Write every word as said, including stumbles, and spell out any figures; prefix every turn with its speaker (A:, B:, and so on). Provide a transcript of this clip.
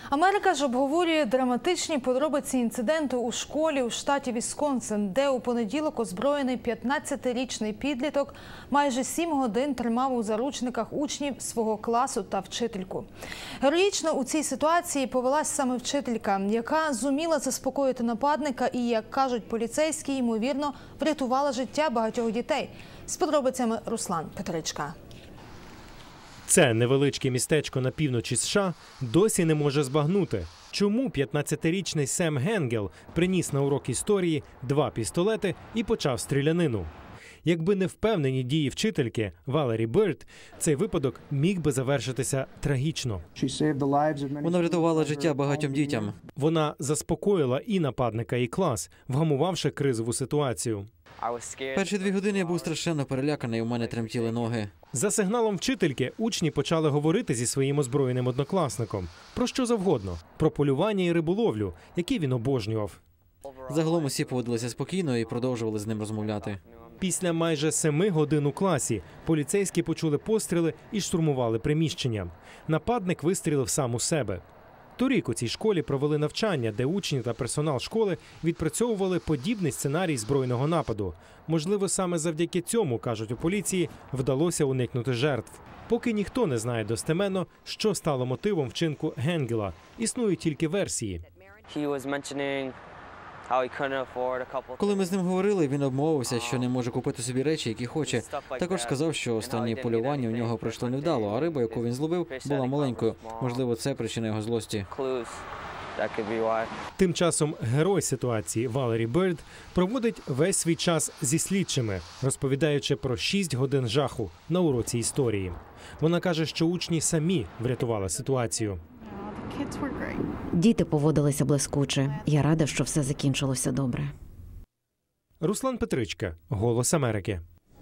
A: Америка ж обговорює драматичні подробиці інциденту у школі у штаті Вісконсин, де у понеділок озброєний п'ятнадцятирічний підліток майже сім годин тримав у заручниках учнів свого класу та вчительку. Героїчно у цій ситуації повелась саме вчителька, яка зуміла заспокоїти нападника і, як кажуть поліцейські, ймовірно, врятувала життя багатьох дітей. З подробицями Руслан Петричка.
B: Це невеличке містечко на півночі США досі не може збагнути, чому п'ятнадцятирічний Сем Генгел приніс на урок історії два пістолети і почав стрілянину. Якби не впевнені дії вчительки Валері Бирд, цей випадок міг би завершитися трагічно.
C: Вона врятувала життя багатьом дітям.
B: Вона заспокоїла і нападника, і клас, вгамувавши кризову ситуацію.
C: Перші дві години я був страшенно переляканий, у мене тремтіли ноги.
B: За сигналом вчительки учні почали говорити зі своїм озброєним однокласником. Про що завгодно. Про полювання і риболовлю, які він обожнював.
C: Загалом усі поводилися спокійно і продовжували з ним розмовляти.
B: Після майже семи годин у класі поліцейські почули постріли і штурмували приміщення. Нападник вистрілив сам у себе. Торік у цій школі провели навчання, де учні та персонал школи відпрацьовували подібний сценарій збройного нападу. Можливо, саме завдяки цьому, кажуть у поліції, вдалося уникнути жертв. Поки ніхто не знає достеменно, що стало мотивом вчинку Генгела. Існують тільки версії.
C: Коли ми з ним говорили, він обмовився, що не може купити собі речі, які хоче. Також сказав, що останнє полювання у нього пройшло невдало, а риба, яку він зловив, була маленькою. Можливо, це причина його злості.
B: Тим часом герой ситуації Валері Бирд проводить весь свій час зі слідчими, розповідаючи про шість годин жаху на уроці історії. Вона каже, що учні самі врятували ситуацію.
D: Діти поводилися блискуче. Я рада, що все закінчилося добре.
B: Руслан Петричка, «Голос Америки».